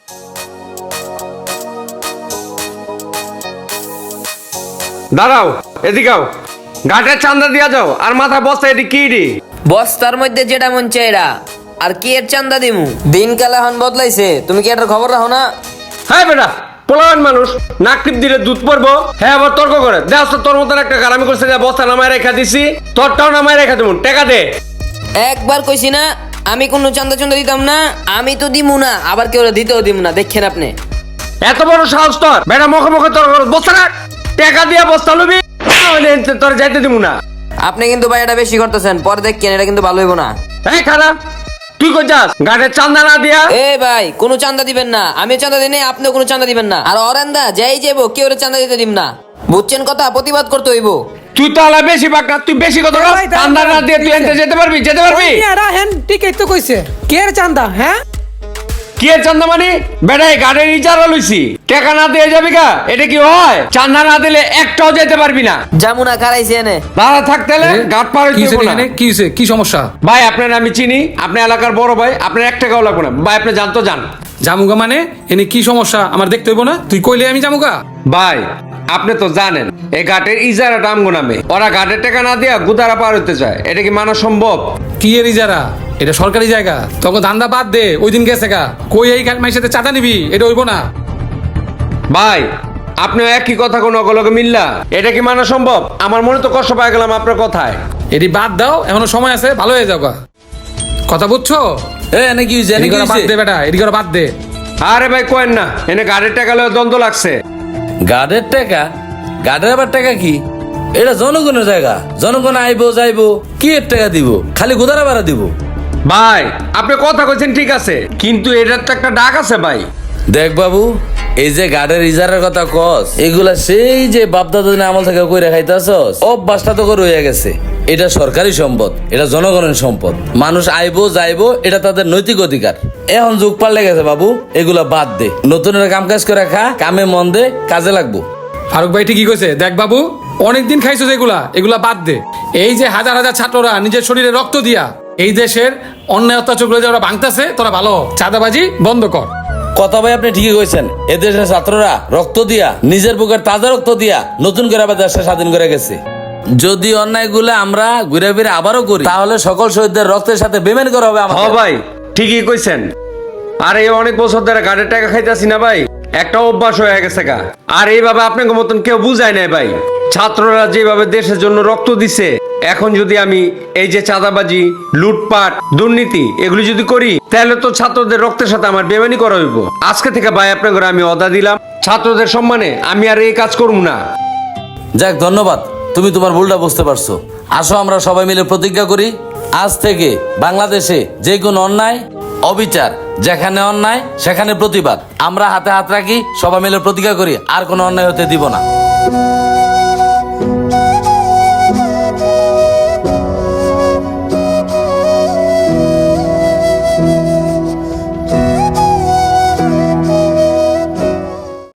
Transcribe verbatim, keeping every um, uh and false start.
দাঁড়াও, এদিকাও। ঘাটের চান্দা দিয়া যাও আর মাথা বস্তা এটি কি রে? বস্তার মধ্যে যেটা মন চাইরা আর কি এর চান্দা দিমু? দিনকাল এখন বদলাইছে, তুমি কি এটার খবর রাখো না? হ্যাঁ বেটা, পোলাবান মানুষ নাক টিপ দিলে দুধ পড়বো। হ্যাঁ আবার তর্ক করে দেখ তো, তোর মতন একটা গারামি করছে যে বস্তা নামায় রেখা দিছি, তোরটাও নামায় রেখা দেবো, টাকা দে। একবার কইছি না আমি কোনো চান্দা চান্দা দিতাম না, আমি তো দিমু না, আবার কেউ দিতেও দিমু না, দেখছেন আপনি। এত বড় সাহস তোর, বেটা মুখে মুখে তোর বস্তা রাখ, টাকা দিয়া বস্তা লবি, তোর যাইতে দিব না। আপনি কিন্তু ভাই এটা বেশি করতেছেন, পরে দেখছেন এটা কিন্তু ভালো হইব না। এই খারাপ, তুই কই যাস? ঘাটের চান্দা না দিয়া? এ ভাই কোনো চান্দা দিবেন না, আমিও চান্দা দিই নাই, আপনিও কোনো চান্দা দিবেন না। আর অরেন্দা যাই যাবো কেউ চান্দা দিতে দিম না, বুঝছেন কথা? প্রতিবাদ করতে হইব। তুই তো আলা বেশি বাকা, তুই বেশি কথা বল। চান্দা না দিয়ে তুই এনতে যেতে পারবি? যেতে পারবি? এরা হেন ঠিকই তো কইছে, কে এর চান্দা? হ্যাঁ কি এর চান্দা মানে? বেটা এই ঘাটের ইজারা লইছি, টাকা না দিয়ে যাবি গা? এটা কি হয়? চান্দা না দিলে একটাও যেতে পারবি না। জামুনা খারাইছি এনে দাঁড়া থাকতে হলে ঘাট পার হইতে হইবো না। কি হইছে? কি সমস্যা? ভাই আপনার আমি চিনি, আপনি এলাকার বড় ভাই, আপনার এক টাকাও লাগবে না ভাই, আপনি জানতো যান। জামুগা মানে এনে কি সমস্যা আমার দেখতে হইব না? তুই কইলে আমি জামুগা? ভাই আপনি তো জানেন এই ঘাটের ইজারাটা আমগো নামে, ওরা ঘাটের টাকা না দিয়া গুদারা পার হইতে চায়, এটা কি মানা সম্ভব? কি এর ইজারা? এটা সরকারি জায়গা, তোকে ধান্দা বাদ দে। ওই দিন গেছে গা, কই এই মাইর সাথে চাঁদা নিবি? এটা হইব না ভাই আপনি একই কথা কোন অগলকে মিললা, এটা কি মানা সম্ভব? আমার মনে তো কষ্ট পাই গেলাম আপনার কথায়। এটি বাদ দাও, এখনো সময় আছে, ভালো হয়ে যাও গা। কথা বুঝছো? এ এনে কি হইছে? এনে এদিকে কি বাদ হইছে? দে বেটা, এদিকে বাদ দে। আরে ভাই কোয়েন না, এনে ঘাটের টাকা লয়ে দ্বন্দ্ব লাগছে। গার্ডের টাকা? গার্ডের আবার টাকা কি? এটা জনগণের জায়গা, জনগণ আইবো যাইবো, কি এর টাকা দিব? খালি গোদারা ভাড়া দিব? ভাই আপনি কথা কইছেন ঠিক আছে, কিন্তু এটার তো একটা ডাক আছে ভাই। দেখ বাবু, এই যে গার্ডের ইজারের কথা কস, এগুলা সেই যে বাপদাদা দিনে আমল থেকে কইরা খাইতাছস, অভ্যাসটা তো করে হয়ে গেছে। এটা সরকারি সম্পদ, এটা জনগণের সম্পদ, মানুষ আইবো যাইবো, এটা তাদের নৈতিক অধিকার। এখন যুগ পাল্টে গেছে বাবু, এগুলা বাদ দে, নতুনের কাম কাজ করে খা, কামে মন দে, কাজে লাগবো। ফারুক ভাই ঠিকই কইছে। দেখ বাবু, অনেকদিন খাইছো যেগুলা, এগুলা বাদ দে। এই যে হাজার হাজার ছাত্ররা নিজের শরীরে রক্ত দিয়া এই দেশের অন্যায় অত্যাচারগুলো যে ওরা ভাঙতাছে, তোরা ভালো চাঁদাবাজি বন্ধ কর। কথা ভাই আপনি ঠিকই কইছেন, এদেশের ছাত্ররা রক্ত দিয়া, নিজের বুকের তাজা রক্ত দিয়া নতুন করে আবার দেশটা স্বাধীন করে গেছে। যদি অন্যায়গুলো আমরা ঘুরে ফিরে আবারও করি, তাহলে সকল শহীদদের রক্তের সাথে বেমেন করা হবে হ আমাদের। ভাই ঠিকই কইছেন। আর এই অনেক বছর ধরে ঘাটের টাকা খাইতাছি না ভাই, একটা অভ্যাস হয়ে গেছে গা। আর এইভাবে আপনাকে মতন কেউ বুঝায় নাই ভাই। ছাত্ররা যেভাবে দেশের জন্য রক্ত দিছে, এখন যদি আমি এই যে চাঁদাবাজি, লুটপাট, দুর্নীতি এগুলি যদি করি, তাহলে তো ছাত্রদের রক্তের সাথে আমার বেমানি করা হইব। আজকে থেকে ভাই আপনাকে আমি অদা দিলাম, ছাত্রদের সম্মানে আমি আর এই কাজ করব না। যাক, ধন্যবাদ, তুমি তোমার ভুলটা বুঝতে পারছো। আসো আমরা সবাই মিলে প্রতিজ্ঞা করি, আজ থেকে বাংলাদেশে যে কোনো অন্যায়, অবিচার, যেখানে অন্যায় সেখানে প্রতিবাদ। আমরা হাতে হাত রাখি, সবাই মিলে প্রতিজ্ঞা করি আর কোনো অন্যায় হতে দিব না।